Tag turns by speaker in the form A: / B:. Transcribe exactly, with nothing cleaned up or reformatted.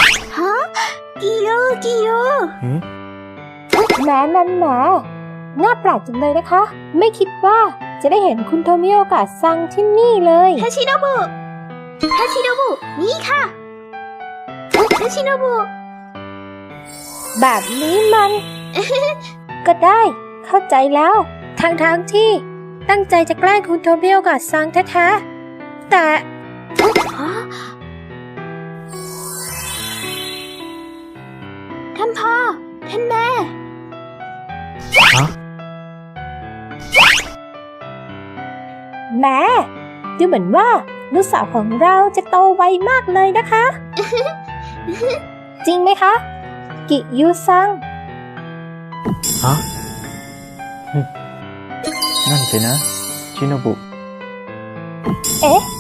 A: ฮะกิโยกิโย
B: หืม
C: แหมแหมแหมน่าแปลกจังเลยนะคะ ไม่คิดว่าจะได้เห็นคุณโทมิโอกะซังที่นี่เลย
A: ทาชิโนบุทาชิโนบุนี่ค่ะทาชิโนบุ
C: แบบนี้มัน ก็ได้เข้าใจแล้วทางทางๆที่ตั้งใจจะแกล้งคุณโทมิโอกะซังแท้ๆแต่
A: ฮะท่านพ่อท่านแม่
B: ฮะ
C: แหมดูเหมือนว่าลูกสาวของเราจะโตไวมากเลยนะคะ จริงไหมคะ กิยูซัง
B: ฮะหึนั่นสินะ ชิโนบุ
C: เอ๊ะ